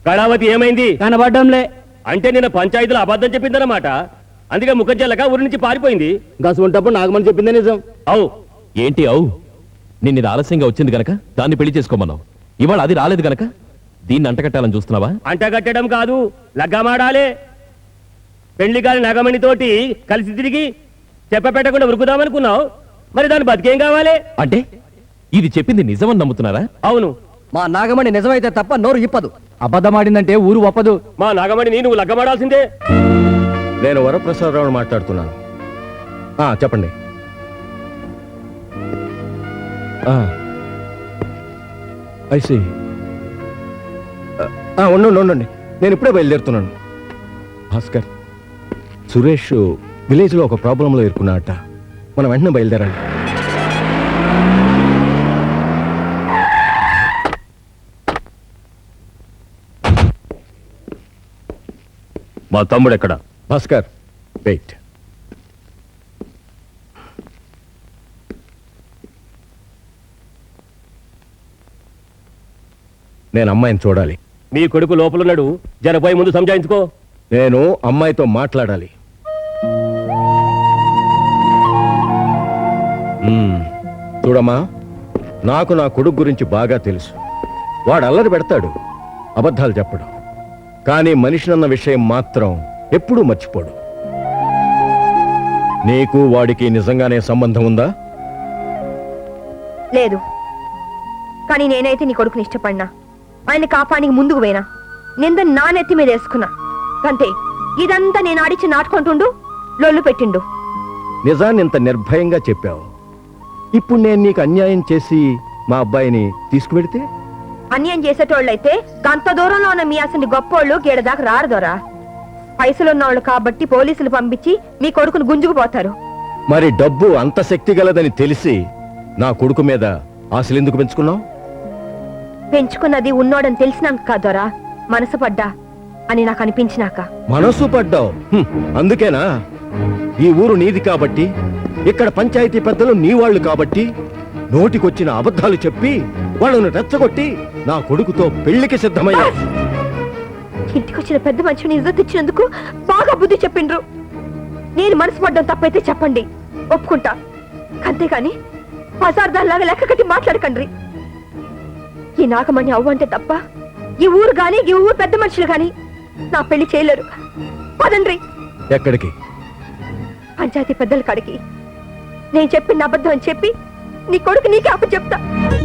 కళావతి ఏమైంది? కనబడ్డంలే. అంటే నిన్న పంచాయతీలో అబద్ధం చెప్పిందన్నమాట. అందుకే ముఖం చెల్లక ఊరి నుంచి పారిపోయింది. గసుంటప్పుడు నాగమని చెప్పిందే నిజం. అవు ఏంటి అవు? నిన్న ఆలస్యంగా వచ్చింది గనక దాన్ని పెళ్లి చేసుకోమన్నావు. ఇవాళ అది రాలేదు గనక దీన్ని అంటకట్టాలని చూస్తున్నావా? అంటగట్టడం కాదు, లగ్గమాడాలే. పెళ్లి కాని నగమణితోటి కలిసి తిరిగి చెప్పపెట్టకుండా ఉరుకుదామనుకున్నావు. మరి దాని బతికేం కావాలి? అంటే ఇది చెప్పింది నిజమని నమ్ముతున్నారా? అవును. మా నాగమణి నిజమైతే తప్ప నోరు ఇప్పదు. అబద్ధమాడిందంటే ఊరు ఒప్పదు. మా నాగమణిని నువ్వు లగ్గమాడాల్సిందే. నేను వరప్రసాదరావు మాట్లాడుతున్నాను. చెప్పండి. ఐసి ఉండండి, నేను ఇప్పుడే బయలుదేరుతున్నాను. భాస్కర్, సురేష్ విలేజ్లో ఒక ప్రాబ్లంలో ఇరుక్కున్నాడట. మనం వెంటనే బయలుదేరండి. మా తమ్ముడు ఎక్కడ? భాస్కర్, వెయిట్. నేను అమ్మాయిని చూడాలి. మీ కొడుకు లోపలున్నాడు, జరపోయి ముందు సంజాయించుకో. నేను అమ్మాయితో మాట్లాడాలి. చూడమ్మా, నాకు నా కొడుకు గురించి బాగా తెలుసు. వాడు అల్లరి పెడతాడు, అబద్ధాలు చెప్పడు. కానీ మనిషినన్న విషయం మాత్రం ఎప్పుడూ మర్చిపోడు. నీకు వాడికి నిజంగానే సంబంధం ఉందా? లేదు. కానీ నేనైతే నీ కొడుకుని ఇష్టపడినా, ఆయన కాపానికి ముందుకు పోయినా, నింద నా నెత్తి మీద వేసుకున్నా. అంతే. ఇదంతా నేను ఆడిచి నాటుకుంటుండు, లొల్లు పెట్టిండు. నిజాన్ని ఇంత నిర్భయంగా చెప్పావు. ఇప్పుడు నేను నీకు అన్యాయం చేసి మా అబ్బాయిని తీసుకువెడితే? అన్యాయం చేసేటోళ్ళైతే గంత దూరంలో ఉన్న మీ అసలు గొప్పోళ్ళు గేడదాకా రారు దొరా. పైసలున్నోళ్ళు కాబట్టి పోలీసులు పంపించి మీ కొడుకును గుంజుకుపోతారు. మరి డబ్బు అంత శక్తి గలదని తెలిసి నా కొడుకు మీద ఆశలెందుకు పెంచుకున్నావు? పెంచుకున్నది ఉన్నోడని తెలిసినాక కాదోరా, మనసు పడ్డా అని నాకు అనిపించినాక. మనసు పడ్డావు? అందుకేనా ఈ ఊరు నీది కాబట్టి, ఇక్కడ పంచాయతీ పెద్దలు నీ వాళ్ళు కాబట్టి నోటికొచ్చిన అబద్ధాలు చెప్పి వాళ్ళను రెచ్చగొట్టి నా కొడుకుతో పెళ్లికి సిద్ధమయ్యా. ఇంటికొచ్చిన పెద్ద మనిషిని ఇజ్జత్ ఇచ్చినందుకు బాగా బుద్ధి చెప్పిండ్రు. నేను మనసు పడ్డం తప్పైతే చెప్పండి, ఒప్పుకుంటా. అంతేకాని పసార్దాల్లాగా లెక్క కట్టి మాట్లాడకండ్రి. ఈ నాగమణి అవ్వంటే తప్ప ఈ ఊరు గాని ఈ ఊరు పెద్ద మనుషులు గాని నా పెళ్లి చేయలేరు. పదండ్రి. ఎక్కడికి? పంచాయతీ పెద్దల కాడికి. నేను చెప్పిన అబద్ధం అని చెప్పి నీ కొడుకు నీకే అప్పు చెప్తా.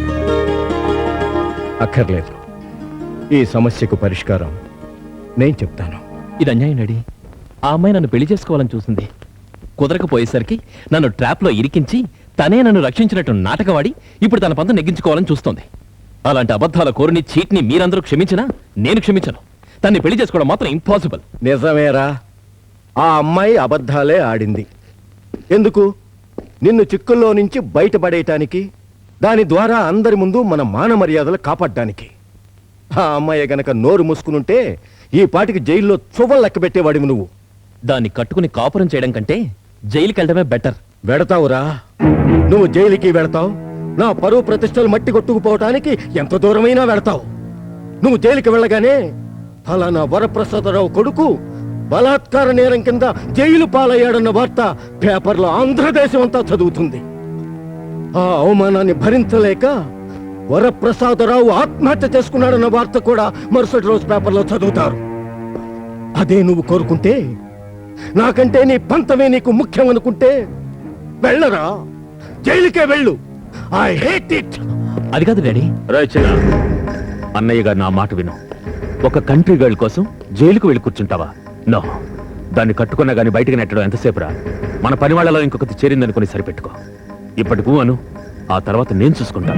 అక్కర్లేదు, ఈ సమస్యకు పరిష్కారం నేను చెప్తాను. ఇది అన్యాయం డాడీ. ఆ అమ్మాయి నన్ను పెళ్లి చేసుకోవాలని చూసింది. కుదరకపోయేసరికి నన్ను ట్రాప్లో ఇరికించి తనే నన్ను రక్షించినట్టు నాటకవాడి ఇప్పుడు తన పంత నెగ్గించుకోవాలని చూస్తోంది. అలాంటి అబద్ధాల కోరిని చీట్ని మీరందరూ క్షమించినా నేను క్షమించను. తన్ని పెళ్లి చేసుకోవడం మాత్రం ఇంపాసిబుల్. నిజమేరా, ఆ అమ్మాయి అబద్ధాలే ఆడింది. ఎందుకు? నిన్ను చిక్కుల్లో నుంచి బయటపడేయటానికి, దాని ద్వారా అందరి ముందు మన మాన మర్యాదలు కాపాడడానికి. ఆ అమ్మాయి గనక నోరు మూసుకునుంటే ఈ పాటికి జైల్లో చువ్వలు లెక్క పెట్టేవాడివి నువ్వు. దాన్ని కట్టుకుని కాపురం చేయడం కంటే జైలుకి వెళ్ళడమే బెటర్. వెడతావురా, నువ్వు జైలుకి వెడతావు. నా పరువు ప్రతిష్టలు మట్టి కొట్టుకుపోవటానికి ఎంత దూరమైనా వెడతావు. నువ్వు జైలుకి వెళ్ళగానే ఫలానా వరప్రసాదరావు కొడుకు బలాత్కార నేరం కింద జైలు పాలయ్యాడన్న వార్త పేపర్లో ఆంధ్రదేశం అంతా చదువుతుంది. ఆ అవమానాన్ని భరించలేక వరప్రసాదరావు ఆత్మహత్య చేసుకున్నాడన్న వార్త కూడా మరుసటి రోజు పేపర్లో చదువుతారు. అదే నువ్వు కోరుకుంటే, నాకంటే నీ పంతమే నీకు ముఖ్యం అనుకుంటే వెళ్ళరా, జైలుకే వెళ్ళు. I hate it. అది కాదు డాడీ. చిన్న అన్నయ్య గారు నా మాట విను. ఒక కంట్రీ గర్ల్ కోసం జైలుకు వెళ్ళి కూర్చుంటావా? నో. దాన్ని కట్టుకున్నా గానీ బయటకు నెట్టడం ఎంతసేపు రా. మన పని వాళ్ళలో ఇంకొకటి చేరిందనుకుని సరిపెట్టుకో. ఇప్పటికూ అను, ఆ తర్వాత నేను చూసుకుంటాను.